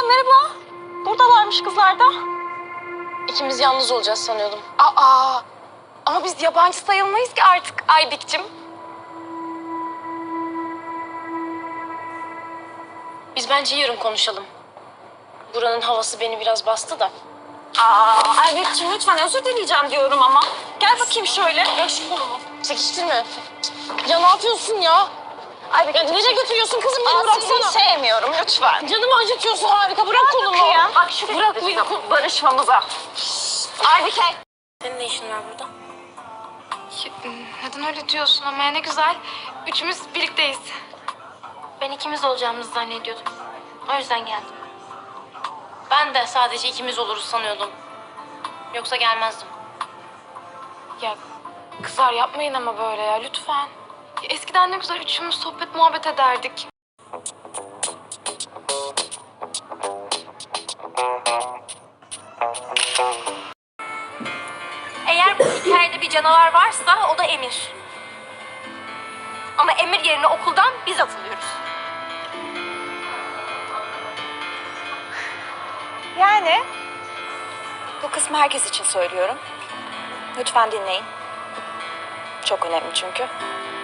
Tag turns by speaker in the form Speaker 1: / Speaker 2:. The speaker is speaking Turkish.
Speaker 1: merhaba. Buradalarmış kızlar da.
Speaker 2: İkimiz yalnız olacağız sanıyordum.
Speaker 1: Aa, ama biz yabancı sayılmayız ki artık Aybik'cim.
Speaker 2: Biz bence yarın konuşalım. Buranın havası beni biraz bastı da.
Speaker 1: Aybik'cim lütfen özür dileyeceğim diyorum ama. Gel bakayım şöyle.
Speaker 2: Ya şu kolumu. Çekiştirme. Ya ne yapıyorsun ya?
Speaker 1: Aybik,
Speaker 2: Ya nereye götürüyorsun kızım? Beni bıraksana.
Speaker 1: Seni sevmiyorum lütfen.
Speaker 2: Canımı acıtıyorsun, harika. Bırak kolumu.
Speaker 1: Bak şu
Speaker 2: Bırak beni.
Speaker 1: barışmamıza. Aybike.
Speaker 2: Senin ne işin var burada?
Speaker 3: Neden öyle diyorsun ama ya ne güzel. Üçümüz birlikteyiz.
Speaker 2: Ben ikimiz olacağımızı zannediyordum. O yüzden geldim. Ben de sadece ikimiz oluruz sanıyordum. Yoksa gelmezdim.
Speaker 3: Ya kızlar yapmayın ama böyle ya lütfen. Ya, eskiden ne güzel üçümüz sohbet muhabbet ederdik.
Speaker 4: Eğer bu hikayede bir canavar varsa o da Emir. Ama Emir yerine okuldan biz atılıyoruz.
Speaker 1: Yani bu kısmı herkes için söylüyorum. Lütfen dinleyin. Çok önemli çünkü.